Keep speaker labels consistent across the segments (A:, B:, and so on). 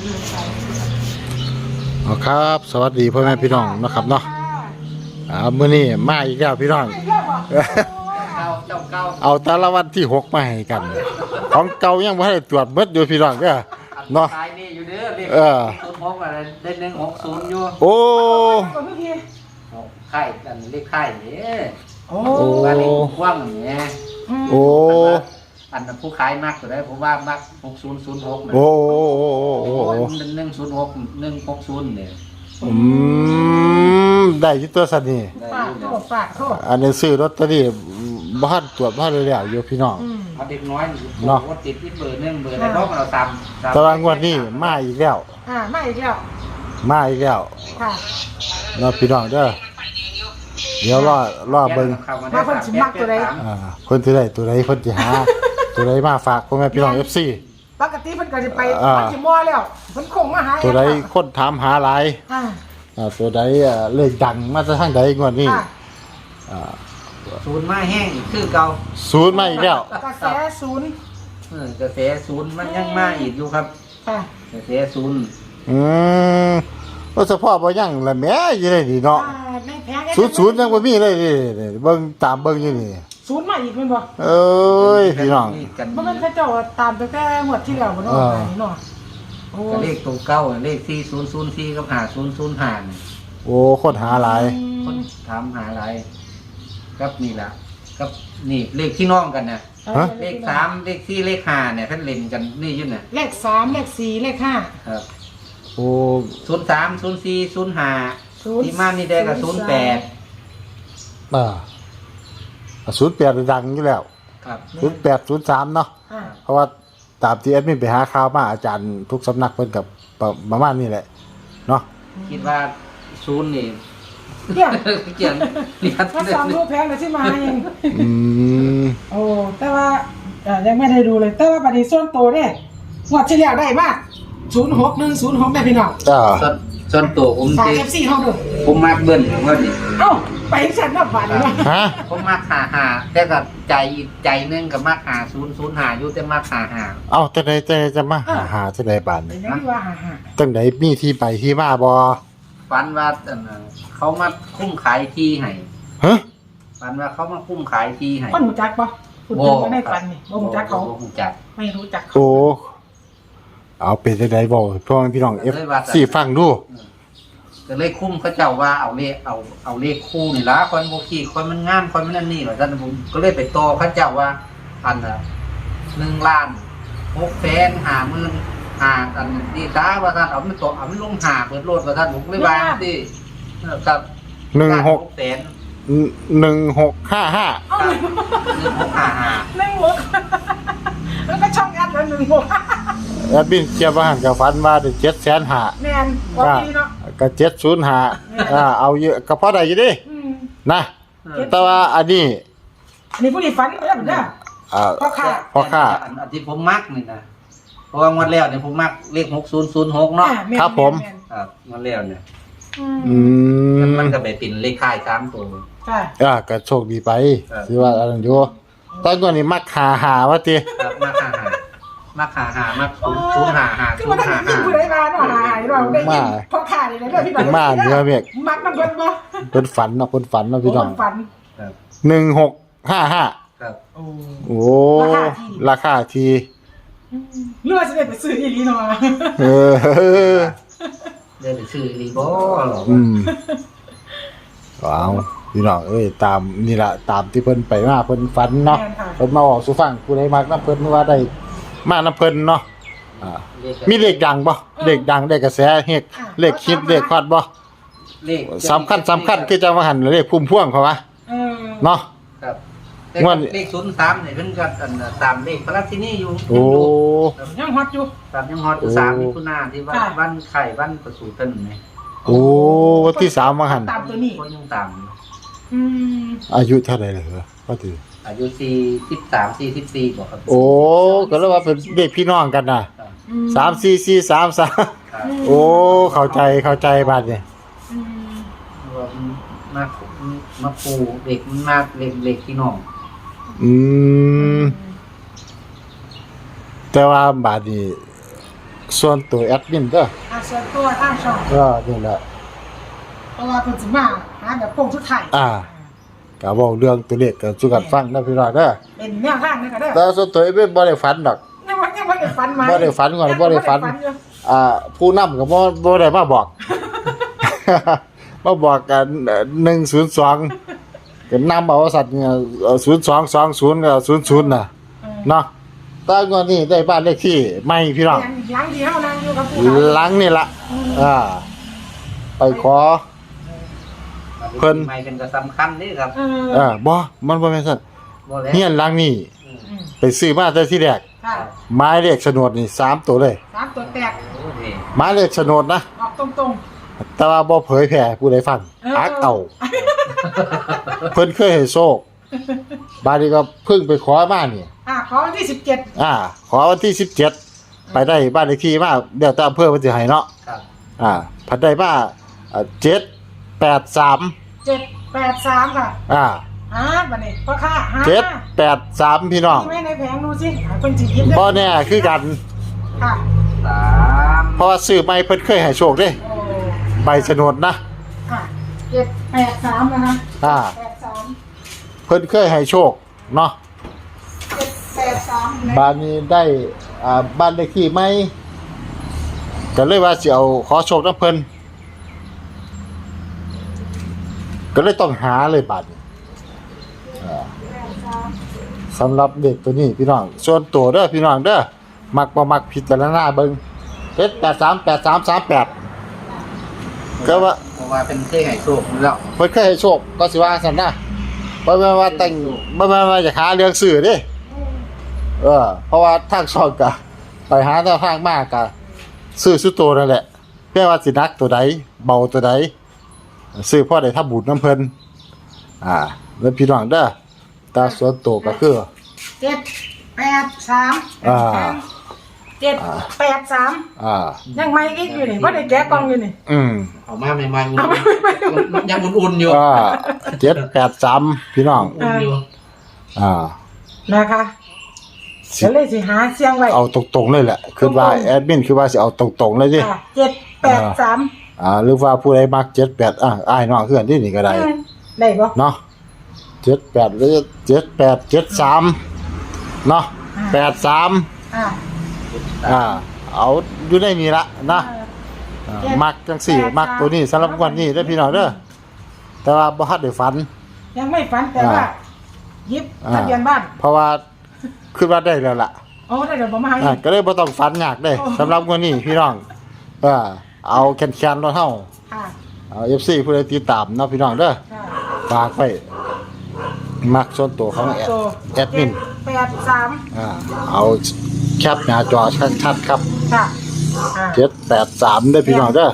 A: ครับสวัสดีพ่อแม่พี่น้องนะครับเนาะมื้อนี้มาอีกแล้วพี่น้องเอาแต่ละวันที่6มาให้กันของเก่ายังบ่ได้ตรวจเบิดอยู่พี่น้องเด้อเนาะ
B: ขายนี่อยู่เด้อเลข06อะไรได้160อยู่
A: โอ้
B: ไข่กันเลขไข่นี่
A: โอ้
B: ว่าเลขกว้างนี่
A: โอ้
B: อันนั้นผู้ขายมากตัวได้ผมว่ามัก6006นะ
A: โอ้
B: 106 160เนี่ย
A: ได้อยู่ตัวสันนี่
C: ฝากโทษ
A: อันนี้ซื้อลอตเตอรี่บ่ทันตรวจบ่ทันแล้วอยู่พี่น้อง
B: เอาเด็กน้อยเนาะติดที่เบอร์1เบอร์อะไรเพราะเราตาม
A: ตารางงวดนี้มาอีกแล้ว
C: มาอีกแล้ว
A: ค่ะเนาะพี่น้องเด้อเดี๋ยวรอเบิ่ง
C: ว่าเพิ่นสิมักตัวใด
A: เพิ่นสิได้ตัวใดเพิ่นสิหาตัวใดมาฝากพ่อแม่พี่น้อง FC
C: ปกติเพิ่นก็สิไปมันสิมั่วแล้วเพิ่นคงมาหา
A: ตัวใดคนถามหาหลายตัวใดเลขดังมาจากทางใดงวดนี้
B: ศูนย์มาแห้งคือเก่า
A: ศูนย์มาอีกแล้ว
C: กระแสศูนย์
B: กระแสศูนย์มันยังมาอีกอยู่ครับกระแสศูนย์
A: ว่าเฉพาะบ่ยังละแม่อยู่ได้นี่เนาะศูนย์ยังบ่มีเลยนี่เบิ่งตามเบิ่งอยู่นี่
C: ศูนย์มาอีกแม่นบ่
A: เอ้ยพี่น้อง
C: บ่แม่นเขาเจ้าตามไปแต่งวดที่แล้วบ่เนาะเนาะ
B: โอ้เลขตรงเก้าเลข4004กับ5005
A: โอ้คนหาหลาย
B: คนถามหาหลายครับนี่ล่ะครับนี่เลขที่น้องกันน่ะเลข3เลข4เลข5เนี่ยเพิ่นเล่นกันนี่อยู่น่ะ
C: เลข3เลข4เลข5
B: ครับ
A: โอ้
B: 03 04 05ที่มานี่ได้ก็08
A: 08ดังอยู่แล้ว
B: ครับ
A: 08 03เนาะเพราะว่าตามที่แอดมินไปหาข่าวมาอาจารย์ทุกสำนักเพิ่นกับประมาณนี้แหละเนาะ
B: คิดว่า0นี่
C: เกี่ยงถ้าซ้อมรูปแพงเลยที่มาเองโอ้แต่ว่ายังไม่ได้ดูเลยแต่ว่าบัดนี้ส่วนโตเนี่ยงวดที่แล้วได้มาก06106ได้พี่น้อง
B: ส่วนตัวผม
C: ที่ FC เฮาดู
B: ผมมักเบิ้ลว่าดิ
C: เอ้าไปฉันน่ะบาดนี้
A: ฮะ
B: ผมมัก55แต่ก็ใจนึงก็มัก5005อยู่แต่มัก55
A: เอ้าจังได๋จะมาหาจังได๋บาดนี้
C: ยังว่า
A: จังได๋มีที่ไปที่มาบ่
B: ฝันว่าเขามาคุ้มขายที่ให้
A: ฮะ
B: ฝันว่าเขามาคุ้มขายที่ให้
C: คนรู้จักบ่คุณเพิ่นบ่ได้ฝันนี่บ่รู้จักเขา
B: บ่รู้จัก
C: ไม่รู้จัก
A: โอ้เอาเป็นจังได๋บ่พ่อพี่น้อง FC ฟังดู
B: ก็เลยคุ้มเขาเจ้าว่าเอาเลขคู่นี่ล่ะคนบ่ขี้คนมันงามคนมันนั่นนี่ว่าซั่นผมก็เลยไปต่อเขาเจ้าว่าอันน่ะ1,650,000อันนี้ตาว่าท่านเอามันตกเอามันลงหาเปิดโลดว่าท่านผมไม่บางที่ครับ
A: 1655
C: แล้วก็ช่องแอดแล้ว
A: แอดบินเกี่ยวกับหันกับฝันว่าได้7,500,000
C: แม่นบ่ดีเนาะ
A: ก็705เอาเยอะก็พอได้อยู่ดินะแต่ว่าอันนี้
C: ผู้ที่ฝันเด้อเด้อ
A: พ่อค่า
B: อันที่ผมมักนี่นะเพราะว่างวดแล้วเนี่ยผมมักเลข6006เนาะ
A: ครับผม
B: ครับงวดแล้วเนี่ยมันก็ไปเป็นเลขค่าย3ตัว
C: ค่ะ
A: ก็โชคดีไปสิว่าอันนั้นอยู่ตอนก่อนนี่มักหาว่าติ
B: ครับมัก055
C: คือมันต้องมีผู้ใดมาเนาะเราได้ยินพ่อค่านี่เด้อพี่น้อง
A: มาเด้อเมฆ
C: มักนำเพิ่นบ่
A: เพิ่นฝันเนาะพี่น้อง
C: ฝัน
B: ครับ
A: 1655
C: ครับ
A: โอ้ราคาที่
C: เลือดจะได้ไปซื้ออีหลีเนาะ
B: ได้ไปซื้ออีหลีบ่หรอ
A: ว้าวพี่น้องตามนี่ล่ะตามที่เพิ่นไปมาเพิ่นฝันเนาะเพิ่นมาออกสู่ฟังผู้ใดมักนำเพิ่นว่าได้มานำเพิ่นเนาะมีเลขดังบ่เลขดังได้กระแสเฮกเลขคิดเลขฮอดบ่
B: เลข
A: สำคัญคือจะมาหันเลขพุ่มพวงเขาว่าเนาะ
B: ครับเลข03นี่เพิ่นก็ตามเลขพระราชินีอยู่
A: โอ้
C: ยังฮอดอยู่
B: ยังฮอด3มิถุนายนที่วันไข่วันประสูติเพิ่นนี่
A: โอ้วันที่3มาหัน
C: ตามตัวนี้
B: ก็ยังตาม
A: อายุเท่าไหร่เหรอว่าถือ
B: อายุ43 44บ่ครับ
A: โอ้ก็แล้วว่าเป็นเด็กพี่น้องกันน่ะ3 4 4 3 3โอ้เข้าใจบาดนี่
B: มาปูเด็กมันมากเล็กพี่น้อง
A: แต่ว่าบาดนี้ส่วนตัวแอดมินเด้อ
C: ส่วนตัวทางช่อง
A: นี่แหละ
C: เพราะว่าเพิ่นสิมาหาแบบโค้งสุดท้าย
A: ก็เว้าเรื่องตัวเลขก็สู่กันฟังนะพี่น้องเด้อ
C: เป็นแนวทางนี่ก็เด้อ
A: แต่ส่วนตัวบ่ได้ฝันดอก
C: ยังบ่ได้ฝันมา
A: บ่ได้ฝันก่อนบ่ได้ฝัน
C: อยู่
A: ผู้นำก็บ่ได้มาบอก มาบอกกัน102ก็นำเอาสัตว์เนี่ย0220ก็00น่ะเนาะแต่งวดนี้ได้บ้านเลขที่ใหม่พี่น้อง
C: หลังที่เฮานั่งอยู่กับผู้
A: หลังนี่ล่ะไปขอ เพิ่น
B: ไม่เป็นก็สำคัญนี่ครับ
A: บ่มันบ่แม่นซั่น
B: บ่แล้ว
A: เฮียนหลังนี้ไปซื้อมาแต่ที่แรก
C: ค่ะ
A: หมายเลขโฉนดนี่3ตัวเลย
C: 3ตัวแตก
B: โอ้นี่
A: หมายเลขโฉนดนะ
C: ออกตรง
A: แต่ว่าบ่เผยแพร่ผู้ใดฟังอักเอา เพิ่นเคยให้โชคบาดนี้ก็เพิ่งไปขอมานี่
C: ขอวันที่17
A: ขอวันที่17ไปได้บ้านเลขที่มาเดี๋ยวแต่อำเภอเพิ่นสิให้เนาะ
B: ครับ
A: พัดได้มา783
C: 783ค่ะบัดนี้พ่อค้า
A: 783พี่น้อง
C: มีไว้ในแผงดูสิเพิ่นสิหยิบได้
A: บ่แน่คือกัน
C: ค่ะ
B: 3
A: เพราะว่าซื้อใหม่เพิ่นเคยให้โชคเด้
C: โอ้
A: ใบโฉนดนะ
C: ค่ะ783นะคะ83
A: เพิ่นเคยให้โชคเนาะ
C: 783
A: บ้านนี้ได้บ้านเลขที่ใหม่ก็เลยว่าสิเอาขอโชคนำเพิ่นก็เลยต้องหาเลยบัดนี้สำหรับเด็กตัวนี้พี่น้องส่วนตัวเด้อพี่น้องเด้อมักบ่มักพิจารณาเบิ่ง838338ก็ว่า
B: เพราะว่าเป็นเคยให้โชคอยู่แล้ว
A: เพิ่นเคยให้โชคก็สิว่าซั่นนะบ่แม่นว่าแต่งบ่แม่นว่าจะหาเรื่องซื้อเด้เพราะว่าทางช่องก็ไปหาแนวทางมากก็ซื้อสุดโตนั่นแหละแม่ว่าสินักตัวใดเบาตัวใดซื้อพอได้ทำบุญนำเพิ่นแล้วพี่น้องเด้อแต่ส่วนตัวก็คือ
C: 783ยังไม่อีกอยู่นี่บ่ได้แกะกล่องอยู่นี่
B: เอามาใหม่ๆยังอุ่นๆอยู่
A: 783พี่น้อง
B: อุ่นอยู่
C: นะคะก็เลยสิหาเสียงไว้
A: เอาตรงๆเลยแหละคือว่าแอดมินคือว่าสิเอาตรงๆเลยดิ
C: 783
A: หรือว่าผู้ใดมัก78อ้ายน้องคือกันที่นี่ก็ได้
C: ได้บ่
A: เนาะ78หรือ7873เนาะ83เอาอยู่ในนี้ละนะมักจังสี่มักตัวนี้สำหรับวันนี้เด้อพี่น้องเด้อแต่ว่าบ่ทันได้ฝัน
C: ยังไม่ฝันแต่ว่าหยิบทะเบียนบ้าน
A: เพราะว่าคือว่าได้แล้วล่ะ
C: ได้เดี๋ยวบ่มาให้
A: ก็เลยบ่ต้องฝันยากเด้สำหรับวันนี้พี่น้องเอาแคนๆรถเฮาเอา FC ผู้ใดติดตามเนาะพี่น้องเด้อฝากไว้มักส่วนตัวของแอดมิน
C: 83
A: เอาแคปหน้าจอชัดๆครับ
C: ค่ะ
A: 783ได้อพี่น้องเด้อ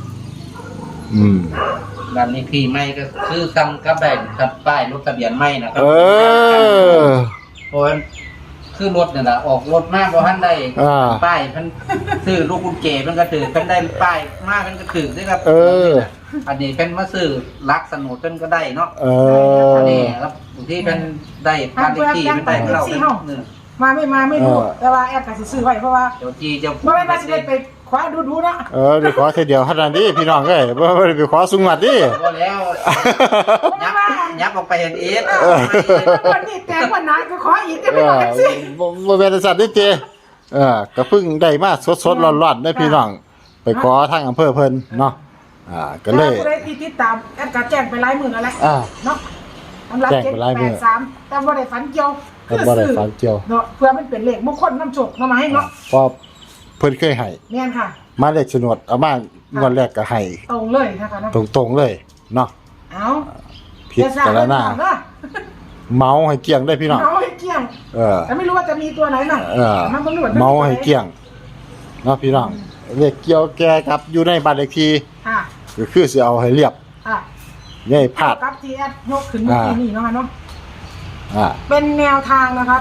B: บ้านนี้ที่ไม่ก็คือซ้ำกับแบบกับป้ายรถทะเบียนไม่นะครั เพราะว่าคือรถนี่แหละออกรถมากบ่ทันได้ป้ายเพิ่นซื้อลูกกุญแจเพิ่นก็ถือเพิ่นได้ป้ายมากเพิ่นก็ถือด้วยครับอันนี้เพิ่นมาซื้อลักสนุดเพิ่นก็ได้เนาะอันนี้ครับบางทีเพิ่นได้บ้านเลขที่เพิ่นได้เรา
C: มาไม่รู้แต่ว่าแอดก็สิซื้อไว้เพราะว่า
B: เจ้าที่เจ้า
C: บ่แม่นว่าสิได้ไปคว้าดูๆเนาะ
A: เดี๋ยวขอแค่เดียวเท่านั้นดิพี่น้องเอ้ยบ่ได้ไปขอสูงวัดดิ
B: บ่แล้วยับออกไปเห็นเอส
C: วันนี้แต่วันนั้นก็ขออีกได้ไปหน่อยสิ
A: บ่แม่นสัตว์ดิเจก็เพิ่งได้มาสดๆร้อนๆได้พี่น้องไปขอทางอำเภอเพิ่นเนาะก็เลย
C: ผู้ใดที่ติดตามแอดก็แจ้งไปหลายมื้อแล้วแหละเนาะสำหรับ783แต่บ่ได้ฝันเกี่ยว
A: บ่ได้ฝันเกี่ยว
C: เนาะเพื่อมันเป็นเลขมงคลนำโชคนำมาให้เนาะ
A: เพราะเพิ่นเคยให้
C: แม่นค่ะ
A: มาเลขโฉนดเอามางวดแรกก็ให้
C: ตรงเลยนะคะเนาะ
A: ตรงๆเลยเนาะพิจารณาเมาให้เกลี้ยงได้พี่น้อง
C: เมาให้เกลี้ยงแต่ไม่รู้ว่าจะมีตัวไหนน่ะ
A: เมาให้เกลี้ยงเนาะพี่น้องเลขเกี่ยวแก่กับอยู่ในบ้านเลขที่ก็คือสิเอาให้เรียบอย่าให้พลาด
C: กับที่แอดยกขึ้นเมื่อกี้นี่เนาะเนาะเป็นแนวทางนะคะ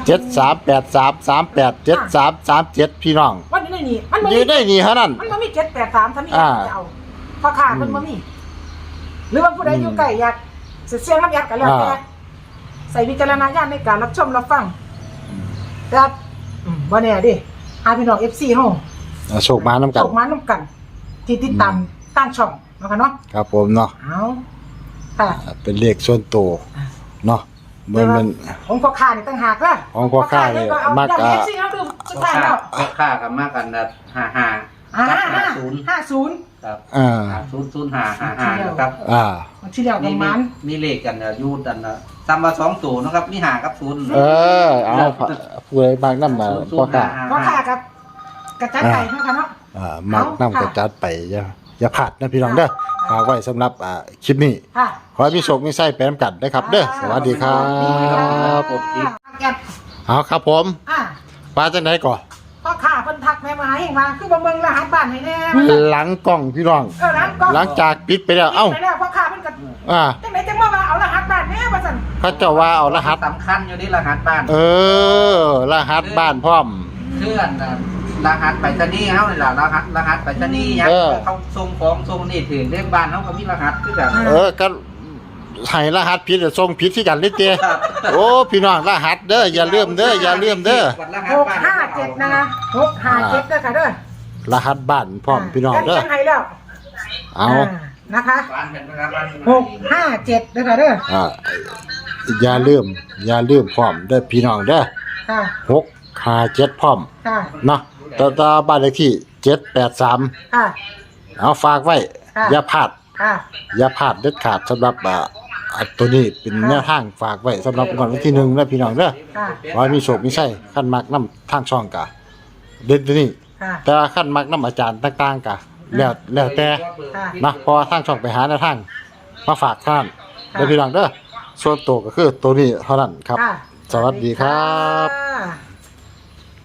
A: 7383387337พี่น้อง
C: วันนี้นี่มัน
A: อยู่ได้นี่เท่านั้น
C: มันบ่มี783ถ้ามีจะเอาพอขาดมันบ่มีหรือว่าผู้ใดอยู่ใกล้อยากเสียงน้ำยัดกันแล้วแต่ใส่วิจารณญาณในการรับชมรับฟังแต่บ่แน่ดิพี่น้อง FC เฮา
A: โชคมาน้ำกัน
C: โชคมาน้ำกัน ที่ติดตามตั้งช่องนะคะเนาะ
A: ครับผมเนาะ
C: เอาค่ะ
A: เป็นเลขส่วนตัวเนาะมัน
C: ของพ่อค้านี่ตั้งหากละ
A: ของพ่อค้านี่
C: เอา
A: มัก
C: อย่างนี้สิเอาดูสุดท้ายแล้ว
B: ค่ากับมากกันนะ55
C: 50
B: ครับ
A: อ่า
B: 005555นะครับ
C: มันที่เดียวกันมัน
B: มีเลขกันนะยูดันนะซ้ำมา2ตัวนะครับมี5กับ0
A: เอาผู้ใดมักนำมาพ่อค้า
C: พ่อค้ากับกระจัดไก่นะคะเนาะ
A: มักนำกระจัดไปอย่าพลาดนะพี่น้องเด้อฝากไว้สำหรับคลิปนี้
C: ค่ะ
A: ขอให้พี่โชคมีไส้ไปน้ำกันนะครับเด้อสวัสดีครับ
C: แกะ
A: เอาครับผม ว่าจังไหนก่อน
C: พ่อค้าเพิ่นทักแม่มาให้มาคือบ่เบิ่งรหัสบ้านให้แน่
A: หลังกล้องพี่น้อง
C: หลังก็
A: หลังจากปิดไปแล้ว
C: ไปแล้วพ่อค้าเพิ่นก็
A: จั
C: งไหนจังว่าเอารหัสบ้านแน่ว่าซั่น
A: พระเจ้าว่าเอารหัส
B: สำคัญอยู่ที่รหัสบ้าน
A: รหัสบ้านพร้อม
B: เพื่อนรหัสไปรษณีย์เฮานี่ล่ะรหัสไปรษณีย์ยังเขาส่งของส่งนี่ถึงเลขบ้านเฮาก็มีรหัสคือกัน
A: ก็ให้รหัสผิดจะส่งผิดที่กันเลยเจ้โอ้พี่น้องรหัสเด้ออย่าลืมเด้ออย่าลืมเด้อ
C: 657นะคะ657เด้อค่ะเด้อ
A: รหัสบ้านพร้อมพี่น้องเด้อ
C: กันให้แล้ว
A: เอา
C: นะคะ
B: บ้านเป็นนะครับ
C: 657เด้อค่ะเด้อ
A: อย่าลืมพร้อมเด้อพี่น้องเด้อ
C: ค่ะ
A: 657พร้อม
C: ค่ะ
A: เนาะต่อบ้านเลขที่783
C: ค่ะ
A: เอาฝากไว้
C: ค่ะ
A: อย่าพลาด
C: ค่ะ
A: อย่าพลาดเด็ดขาดสำหรับตัวนี้เป็นแนวทางฝากไว้สำหรับวันที่1นะพี่น้องเด้อ
C: ค่ะ
A: ว่ามีโชคมีชัยขั้นมักน้ำทางช่องกะเด่นตัวนี้
C: ค่ะ
A: แต่ว่าขั้นมักน้ำอาจารย์ต่างๆกะแล้วแต่นะเพอทางช่องไปหาแนวทางมาฝากท่านเด้อพี่น้องเด้อส่วนตัวก็คือตัวนี้เท่านั้นครับ
C: ค่ะ
A: สวัสดีครับ
C: ค่ะ